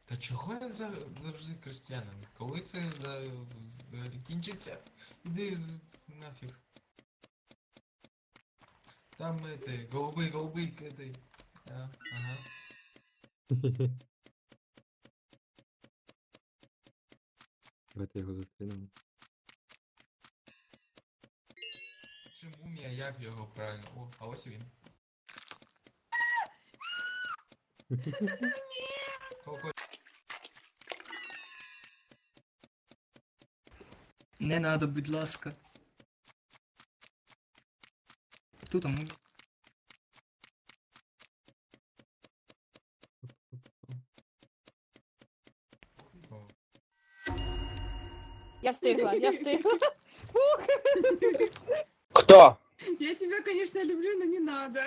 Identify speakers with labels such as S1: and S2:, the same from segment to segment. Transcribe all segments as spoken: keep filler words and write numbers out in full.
S1: Та чого я за- завжди крестьянин? Коли це за... з- кінчиться? Іди з- нафіг. Там это, голубий, голубий, этой. А, ага.
S2: Давайте його зустрінемо.
S1: Чи мумія, як його правильно? О, а ось він. Коко.
S3: Не надо, будь ласка. Хто там?
S1: О,
S4: Я встигла, я встигла.
S5: Кто?
S6: Я тебя, конечно, люблю, но не надо.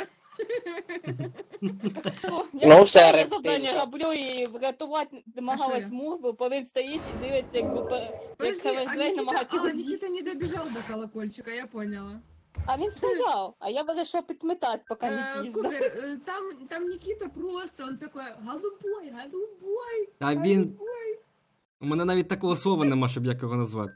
S4: О,
S5: Ну,
S4: Я
S5: все,
S4: я
S5: рептилька.
S4: завдання роблю і врятувати намагалась
S6: я?
S4: мур, бо він стоїть і дивиться, якби по- як
S6: Подожди, а
S4: Хевендрей
S6: Никита,
S4: намагається
S6: а,
S4: його
S6: Никита
S4: з'їсти.
S6: не добежал до колокольчика, я поняла.
S4: А він стояв, а я вирішила підметати, поки не
S6: Э,
S4: пізно.
S6: Кубер, э, там, там Никита просто, он такой, голубой, голубой,
S2: А він.
S6: голубой.
S2: У мене навіть такого слова нема, щоб як його назвати.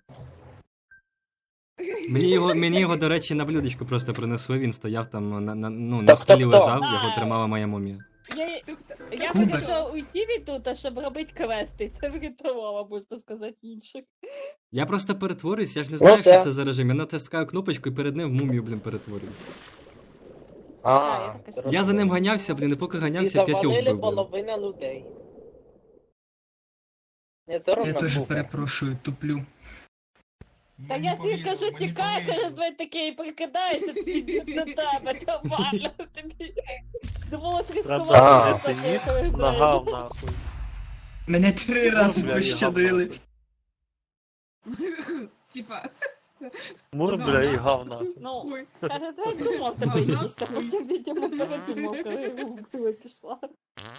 S2: Мені його, мені його, до речі, на блюдечку просто принесли, він стояв там на, на, ну, на
S5: Тобто
S2: столі
S5: хто?
S2: лежав, його
S4: А.
S2: тримала моя мумія.
S4: Я, я
S3: Кубер.
S4: вирішила уйти від тут, щоб робити квести. Це врятувало, можна сказати, інших.
S2: Я просто перетворююсь, я ж не знаю,
S5: Ну,
S2: що
S5: все.
S2: це за режим. Я натискаю кнопочку і перед ним в мумію, блін, перетворюю.
S4: А, я
S5: А,
S4: так і
S5: зрозуміло.
S2: Я за ним ганявся, блін, і поки
S5: І
S2: ганявся, п'ятьох
S5: завалили
S2: вбив. блін.
S5: половина людей. Не
S3: Я
S5: соромно
S3: теж
S5: Кубер?
S3: перепрошую, туплю.
S4: Та
S1: мені
S4: я тобі
S1: повірили,
S4: кажу,
S1: мені
S4: тікай,
S1: повірили.
S4: каже, двоє таке і прикидається, йдуть на тебе, нормально тобі. Довелось
S5: А.
S4: ризикувати.
S7: Ти ніг нагав нахуй.
S3: Мене три рази
S7: Мур, бля,
S3: пощадили.
S7: і гав нахуй.
S6: Типа,
S7: Мур, бля, і гав нахуй.
S4: Ну,
S6: ой.
S4: каже, давай думав тебе їсти, а потім, видимо, передумав, коли його вбили, пішла.